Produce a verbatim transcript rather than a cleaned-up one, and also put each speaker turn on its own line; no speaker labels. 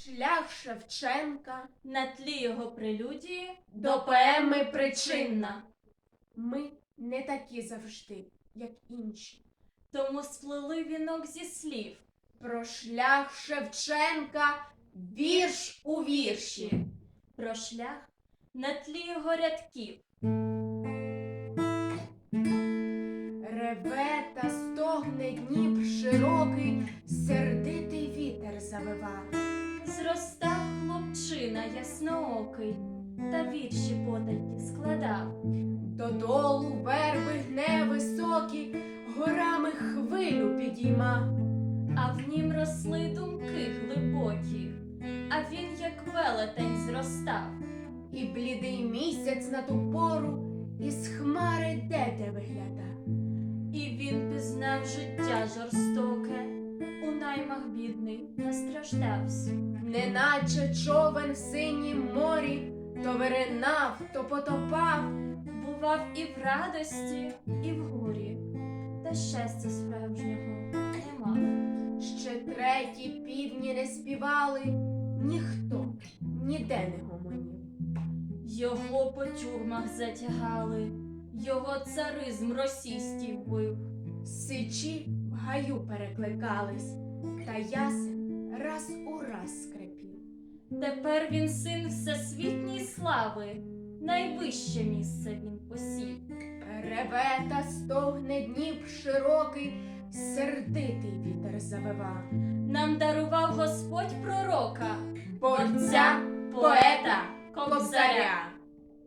Шлях Шевченка
на тлі його прелюдії
до поеми «Причинна». Ми не такі завжди, як інші.
Тому сплели вінок зі слів
Про шлях Шевченка вірш у вірші.
про шлях на тлі його рядків.
Реве та стогне Дніп широкий, сердитий вітер завива.
Зростав хлопчина ясноокий, та вірші потайки складав.
Додолу верби гне високі, горами хвилю підійма.
А в нім росли думки глибокі, а він, як велетень, зростав.
І блідий місяць на ту пору із хмари дете вигляда.
І він пізнав життя жорстоке, у наймах бідний настраждався.
Неначе човен в синім морі, то виринав, то потопав.
Бував і в радості, і в горі, та щастя справжнього не мав.
Ще треті півні не співали, ніхто ніде не гомонів.
Його по тюрмах затягали, його царизм російський вбив.
Сичі в гаю перекликались, та ясен раз у раз скрипів.
Тепер він син всесвітньої слави, найвище місце він посів.
Реве та стогне Дніп широкий, сердитий вітер завива.
Нам дарував Господь пророка,
Борця, поета, кобзаря.